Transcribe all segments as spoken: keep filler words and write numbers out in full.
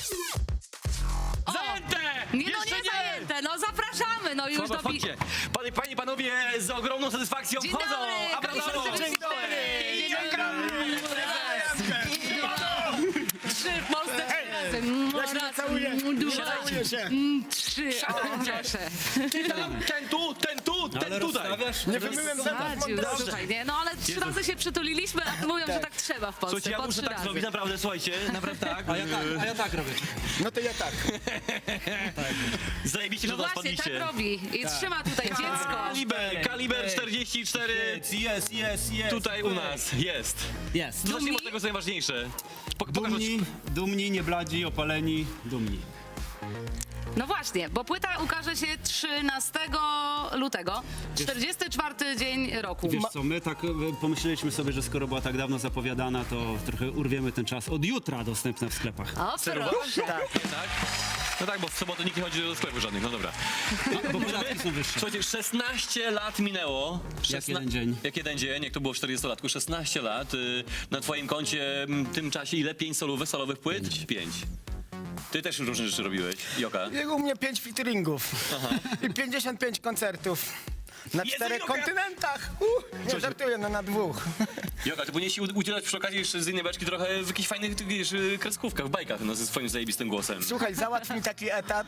Zajęte! Nie, no Jeszcze nie zajęte, no zapraszamy, no już Chodź, do... chodźcie. Panie, panie, panowie z ogromną satysfakcją Dzień wchodzą. dobry, A brawo! Kaliber Dzień dobry! Dzień dobry! Trzy w Polsce trzy razy. Ja się nie całuję, Dużo. całuję się. Mm, Trzy, o proszę. Ten, ten tu, ten tu, ten Ale tutaj. rozstawiasz? Nie wymyłem zębów Sadził, mądrości. słuchaj, nie, no ale trzy razy się przytuliliśmy, a mówią, że tak trzeba w Polsce, Słuchajcie, ja po muszę trzy tak razy. zrobić, naprawdę, słuchajcie, naprawdę tak. A ja tak, a ja tak robię. No to ja tak. Zajebiście, że No do nas właśnie, tak padliście. robi i trzyma tutaj dziecko. Kaliber, kaliber czterdzieści cztery. Jest, jest, jest. Tutaj u nas jest. Jest. Zacznijmy od tego, co najważniejsze. Pok- pokaż- Dumni, dumni, nie bladzi, opaleni, dumni. No właśnie, bo płyta ukaże się trzynastego lutego, czterdziesty czwarty dzień roku. Wiesz co, my tak e, pomyśleliśmy sobie, że skoro była tak dawno zapowiadana, to trochę urwiemy ten czas. Od jutra dostępne w sklepach. O, proszę. Tak. No tak, bo w sobotę nikt nie chodzi do sklepu żadnych, no dobra. Bo podatki są wyższe. Słuchajcie, szesnaście lat minęło. Jak jeden dzień. Jak jeden dzień, jak to było w czterdziestolatku. szesnaście lat. Y, na twoim koncie m, w tym czasie ile? Pięć solówek, solowych płyt? Pięć. Ty też różne rzeczy robiłeś, Joka. Jego u mnie pięć featuringów i pięćdziesiąt pięć koncertów. Na Jezu, czterech Joka! kontynentach! Uh, nie żartuję, no na dwóch. Joka, ty powinieneś się u- udzielać przy okazji jeszcze z innej beczki trochę w jakichś fajnych, ty wiesz, y, kreskówkach, bajkach, no ze swoim zajebistym głosem. Słuchaj, załatw mi taki etat.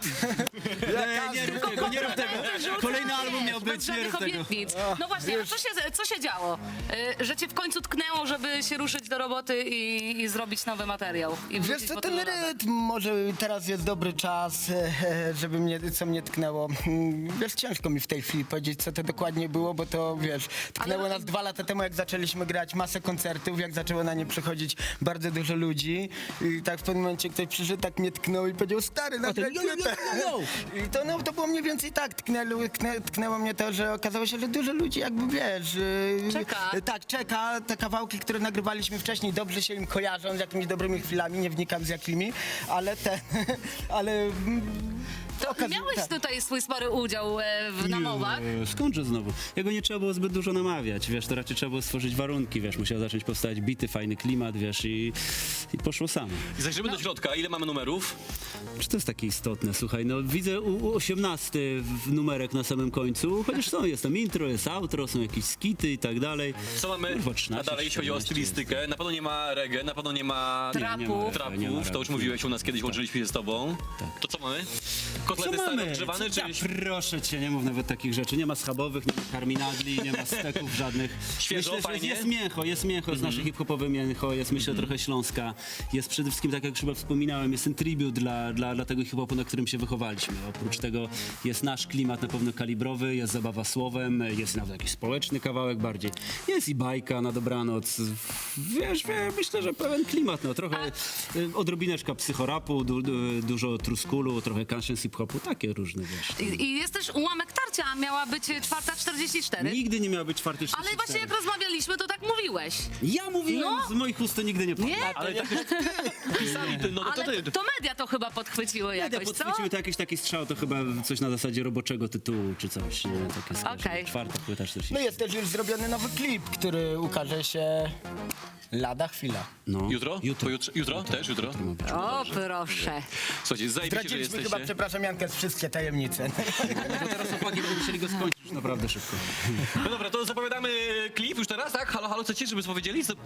Ja Nie rób tego, nie rób tego. Kolejny album miał być, nie rób tego. Obietnic. No właśnie, a co się, co się działo? Y, że cię w końcu tknęło, żeby się ruszyć do roboty i, i zrobić nowy materiał? I Wiesz wrócić co, po ten tylu latach? rytm, może teraz jest dobry czas, e, żeby mnie, co mnie tknęło. Mm, Wiesz, ciężko mi w tej chwili powiedzieć, co to dokładnie było, bo to, wiesz, tknęło Ale- nas dwa lata temu, jak zaczęliśmy grać masę koncertów, jak zaczęło na nie przychodzić bardzo dużo ludzi. I tak w pewnym momencie ktoś przyszedł, tak mnie tknął i powiedział, stary, nagraj yo, yo, yo, płytę. yo, yo. I to, no, to było mniej więcej tak, tknęło, tknę, tknęło mnie to, że okazało się, że dużo ludzi jakby, wiesz... e, Czeka. e, Tak, czeka. Te kawałki, które nagrywaliśmy wcześniej, dobrze się im kojarzą z jakimiś dobrymi chwilami, nie wnikam z jakimi, ale te, ale... mm, To okaz- miałeś tak. tutaj swój spory udział e, w namowach. Nie, Skądże znowu? Jego nie trzeba było zbyt dużo namawiać, wiesz, to raczej trzeba było stworzyć warunki, wiesz, musiał zacząć powstawać bity, fajny klimat, wiesz, i, i poszło samo. I zajrzymy do środka, ile mamy numerów? Czy to jest takie istotne? Słuchaj, no widzę u, u osiemnasty w numerek na samym końcu, chociaż są, jest tam intro, jest outro, są jakieś skity i tak dalej. Co mamy Kurwa, a trzynaście, dalej, jeśli chodzi o czternaście stylistykę? Na pewno nie ma reggae, na pewno nie ma Trapów. Nie, nie ma trapów, nie ma to już rap. mówiłeś u nas kiedyś, łączyliśmy się z tobą. Tak. To co mamy? Co Kotlety stare mamy? odgrzewane, Co- czy... ja, proszę cię, nie mów nawet takich rzeczy. Nie ma schabowych, nie ma karminadli, nie ma steków żadnych. Świeżo, Myślę, że fajnie? jest mięcho, jest mięcho, jest nasze hip-hopowe mięcho, jest myślę trochę Śląska. Jest przede wszystkim, tak jak już chyba wspominałem, jest ten tribut dla, dla, dla tego hip-hopu, na którym się wychowaliśmy. Oprócz tego jest nasz klimat na pewno kalibrowy, jest zabawa słowem, jest nawet jakiś społeczny kawałek bardziej. Jest i bajka na dobranoc. Wiesz, wiesz myślę, że pełen klimat, no trochę y, odrobineczka psychorapu, du, du, dużo truskulu, trochę conscious hip-hopu, takie różne, wiesz. I, I jest też ułamek tarcia, a miała być czwarta czterdzieści cztery. Nigdy nie miał być czwarty Ale właśnie jak rozmawialiśmy, to tak mówiłeś. Ja mówiłem, No. z moich ust to nigdy nie padło. Nie? Ale tak pisali, ty, no to Ale ty. to media to chyba podchwyciły Ja jakoś, co? podchwyciły to jakiś taki strzał, to chyba coś na zasadzie roboczego tytułu, czy coś. Nie? Takie skojarzenie. Okej. Czwarta płyta czterdzieści. No jest też już zrobiony nowy klip, który ukaże się lada chwila. No. Jutro? Jutro. Pojutrze- jutro? Też jutro? ma być. O, proszę. Słuchajcie, zajebiście, że Zdradziliśmy jesteście. chyba, przepraszam Jankę, z wszystkie tajemnice. No teraz chłopaki będą musieli go skończyć już naprawdę szybko. No dobra, to zapowiadamy klip już teraz, tak? Halo, halo, chcecie, żeby powiedzieli? Co...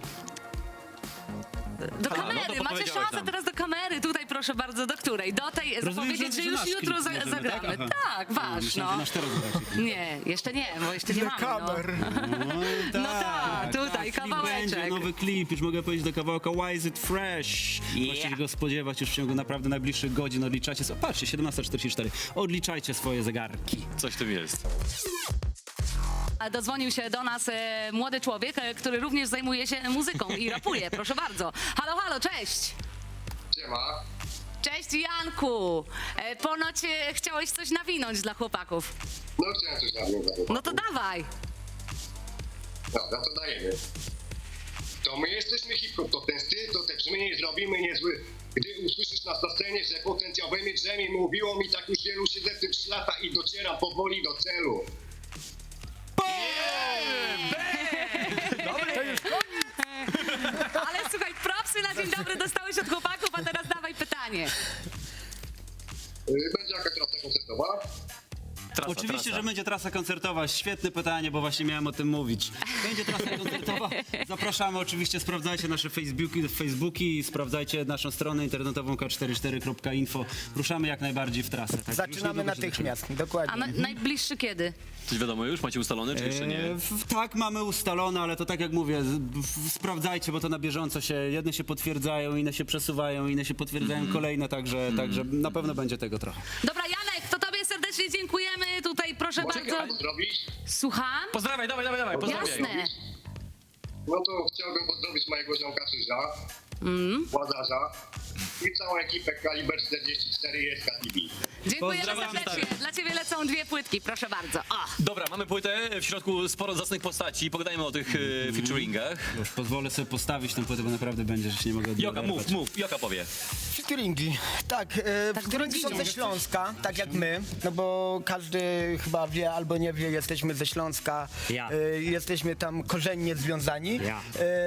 Do A, no to kamery, macie powiedziałeś szansę nam. teraz do kamery. Tutaj proszę bardzo, do której? Do tej Rozumiem, zapowiedzieć, że, że już nasz jutro klip za, możemy, zagramy. tak? Tak, Aha. wasz, Myślałem, że no. nasz teraz zobaczy. Nie, jeszcze nie, bo jeszcze nie Do mamy, no. kamer. No, No tak, tutaj, klip kawałeczek. będzie, nowy klip, już mogę powiedzieć do kawałka Why is it fresh? Możecie się go spodziewać już w ciągu naprawdę najbliższych godzin. Odliczacie, so, patrzcie, siedemnasta czterdzieści cztery. Odliczajcie swoje zegarki. Coś w tym jest. A Dodzwonił się do nas e, młody człowiek, e, który również zajmuje się muzyką i rapuje. Proszę bardzo. Halo, halo, cześć. Siema. Cześć Janku. E, ponoć e, chciałeś coś nawinąć dla chłopaków. No chciałem coś nawiązać. No to dawaj. Dobra, to dajemy. To my jesteśmy hip-hop, to ten styl, to te brzmienie zrobimy niezły. Gdy usłyszysz nas na scenie, że potencjowymi drzemi mówiło mi tak już wielu, siedzę w tym trzy lata i docieram powoli do celu. Ale słuchaj, propsy na dzień dobry dostałeś od chłopaków, a teraz dawaj pytanie. pytanie. Y, Będzie jakaś trasa koncertowa? Trasa, Oczywiście, trasa. że będzie trasa koncertowa. Świetne pytanie, bo właśnie miałem o tym mówić. Będzie trasa koncertowa. Zapraszamy oczywiście, sprawdzajcie nasze Facebooki, Facebooki sprawdzajcie naszą stronę internetową k czterdzieści cztery kropka info. Ruszamy jak najbardziej w trasę. Tak? Już Zaczynamy niedługo się natychmiast, A dokładnie. na, najbliższy kiedy? Coś wiadomo już? Macie ustalone, czy jeszcze nie? E, w- Tak, mamy ustalone, ale to tak jak mówię, z- w- sprawdzajcie, bo to na bieżąco się, jedne się potwierdzają, inne się przesuwają, inne się potwierdzają Mhm. kolejne, także, także na pewno będzie tego trochę. Dobra, Janek, to tobie serdecznie dziękujemy. Tutaj proszę Mogę bardzo. pozdrowić? Słucham? Pozdrawiaj, dawaj, dawaj, dawaj, pozdrawiaj. Jasne. No to chciałbym pozdrowić mojego ziomka Krzyża, Mm. Władarza i całą ekipę Kaliber czterdzieści cztery i S K T V. Dziękujemy Pozdrawiam, serdecznie. stary. Dla ciebie lecą dwie płytki, proszę bardzo. O. Dobra, mamy płytę, w środku sporo zacnych postaci, pogadajmy o tych e, featuringach. Już pozwolę sobie postawić tę płytę, bo naprawdę będzie, że się nie mogę od niej Joka, oderwać. mów, mów, Joka powie. Featuringi. Tak, e, featuringi są ze Śląska, tak jak my, no bo każdy chyba wie albo nie wie, jesteśmy ze Śląska, Ja. e, jesteśmy tam korzennie związani. Ja.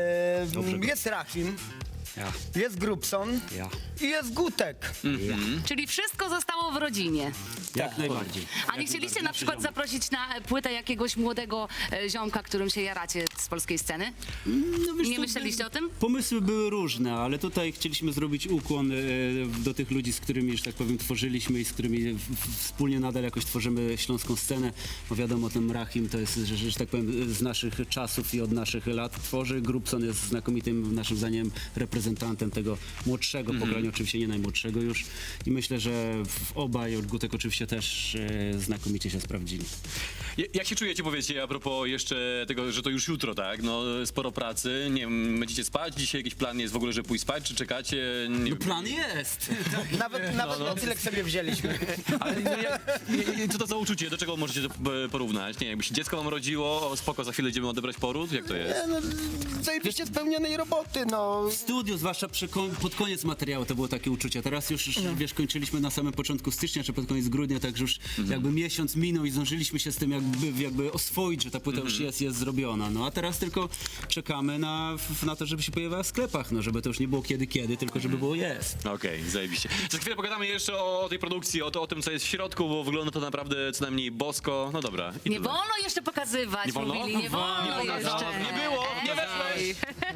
E, Dobrze. jest Rachim, Ja, jest Grubson ja, i jest Gutek. Czyli wszystko zostało w rodzinie. jak najbardziej. A nie chcieliście na przykład zaprosić na płytę jakiegoś młodego e, ziomka, którym się jaracie z polskiej sceny? No wiesz Nie co, myśleliście o tym? Pomysły były różne, ale tutaj chcieliśmy zrobić ukłon e, do tych ludzi, z którymi, że tak powiem, tworzyliśmy i z którymi w, w, wspólnie nadal jakoś tworzymy śląską scenę. Bo wiadomo, ten Rahim to jest, że, że, że tak powiem, z naszych czasów i od naszych lat tworzy. Grubson jest znakomitym, naszym zdaniem, reprezentantem tego młodszego pokolenia, oczywiście nie najmłodszego już. I myślę, że w obaj, od Gutek oczywiście też e, znakomicie się sprawdzili. Ja- Jak się czujecie, powiedzcie, a propos jeszcze tego, że to już jutro, tak? No, sporo pracy, nie wiem, będziecie spać? Dzisiaj jakiś plan jest w ogóle, że pójść spać, czy czekacie? Nie wiem. Plan jest! Nawet, nawet nocleg sobie wzięliśmy. Ale no, jak, nie- co to za uczucie? Do czego możecie to e, porównać? Nie, jakby się dziecko wam rodziło, o, spoko, za chwilę idziemy odebrać poród? Jak to jest? Nie, no, zajebiście spełnionej roboty, no. W studiu, zwłaszcza przy kon- pod koniec materiału, to było takie uczucie. Teraz już, już wiesz, kończyliśmy na samym początku stycznia, czy pod koniec grudnia, także już jakby miesiąc minął i zdążyliśmy się z tym jakby, jakby oswoić, że ta płyta już jest, jest zrobiona. No a teraz tylko czekamy na, f- na to, żeby się pojawiła w sklepach, no żeby to już nie było kiedy, kiedy, tylko żeby było jest. Okej, zajebiście. Za chwilę pogadamy jeszcze o, o tej produkcji, o, to, o tym, co jest w środku, bo wygląda to naprawdę co najmniej bosko. No dobra. I Nie tutaj. wolno jeszcze pokazywać, Nie wolno? mówili, nie wolno Nie wolno, jeszcze. nie było, nie weszłeś.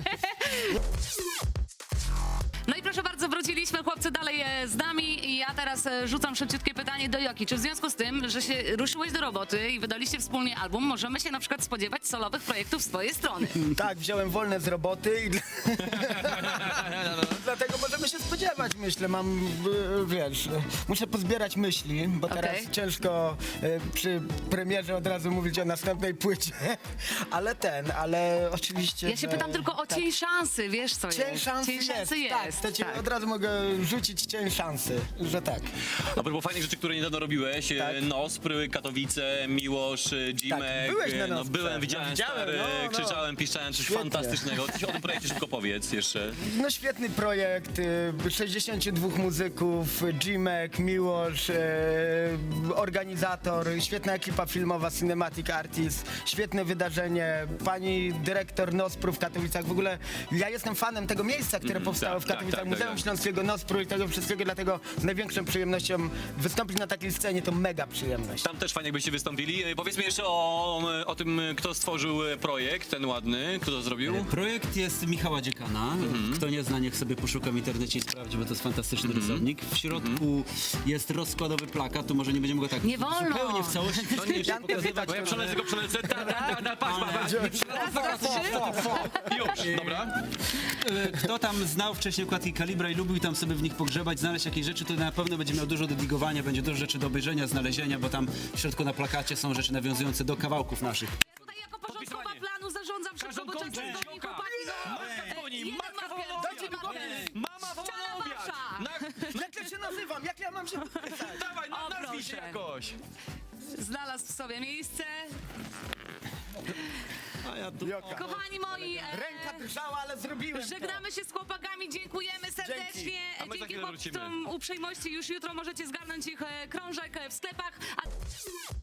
No i proszę bardzo, wróciliśmy, chłopcy dalej e, z nami i ja teraz e, rzucam szybciutkie pytanie do Joki. Czy w związku z tym, że się ruszyłeś do roboty i wydaliście wspólnie album, możemy się na przykład spodziewać solowych projektów z twojej strony? Tak, wziąłem wolne z roboty i dla- dlatego możemy się spodziewać, myślę. Mam, y, wiesz, y, muszę pozbierać myśli, bo teraz Okej. ciężko y, przy premierze od razu mówić o następnej płycie, ale ten, ale oczywiście... Ja się że- pytam tylko o tak. cień szansy, wiesz co Cień jest? szansy cień jest, szansy tak, jest. to ci tak. od razu mogę rzucić cień szansy, że tak. A propos fajnych rzeczy, które niedawno robiłeś, e, Tak. Nospr, Katowice, Miłosz, e, Dzimek. byłeś na e, no, Nosprze. byłem, widziałem, No, widziałem, stary, no, no. krzyczałem, piszczałem, coś Świetnie. fantastycznego. Coś o tym projekcie szybko powiedz jeszcze. No świetny projekt, y, sześćdziesięciu dwóch muzyków, Jimek, Miłosz, y, organizator, świetna ekipa filmowa, Cinematic Artist, świetne wydarzenie, pani dyrektor Nospru w Katowicach. W ogóle ja jestem fanem tego miejsca, które powstało tak, w tak, Katowicach, tak, tak, Muzeum tak. Śląskiego Nospru i tego wszystkiego, dlatego z największą przyjemnością wystąpić na takiej scenie to mega przyjemność. Tam też fajnie, jakbyście wystąpili. E, Powiedzmy jeszcze o, o tym, kto stworzył e, projekt, ten ładny, kto to zrobił. Projekt jest Michała Dziekana. Kto nie zna, niech sobie poszuka w internecie i sprawdzi, bo to jest fantastyczny rysownik. W środku jest rozkładowy plakat, to może nie będziemy go tak Nie wolno. zupełnie w całości koniecznie Janty pokazywać. pytać, Bo ja przelecę go, przelecę. Da, da, da, da, patrz, patrz, patrz. Raz, dwa, trzy. Już, dobra. E, Kto tam znał wcześniej układki Kalibra i lubił tam sobie w nich pogrzebać, znaleźć jakieś rzeczy, to na pewno będzie miał dużo do digowania, będzie dużo rzeczy do obejrzenia, znalezienia, bo tam w środku na plakacie są rzeczy nawiązujące do kawałków naszych. Ja tutaj jako porządkowa Podpisywanie. planu zarządzam szybko, Każdą bo czas kończę. dzwoni, Joka. chłopaki. no. Matka dzwoni, Jeden matka marker, woła dajcie obiad. mi marker. Mama woła Ściana na obiad. wasza. Na, Jak ja się nazywam? Jak ja mam się... dawaj, O, na, nazwij się proszę. jakoś. Znalazł w sobie miejsce. Joka. Kochani moi, e, Ręka drżała, ale zrobiłem to. żegnamy się z chłopakami, dziękujemy serdecznie. A my za Dzięki chwilę wrócimy. chłopcom uprzejmości już jutro możecie zgarnąć ich e, krążek e, w sklepach. A...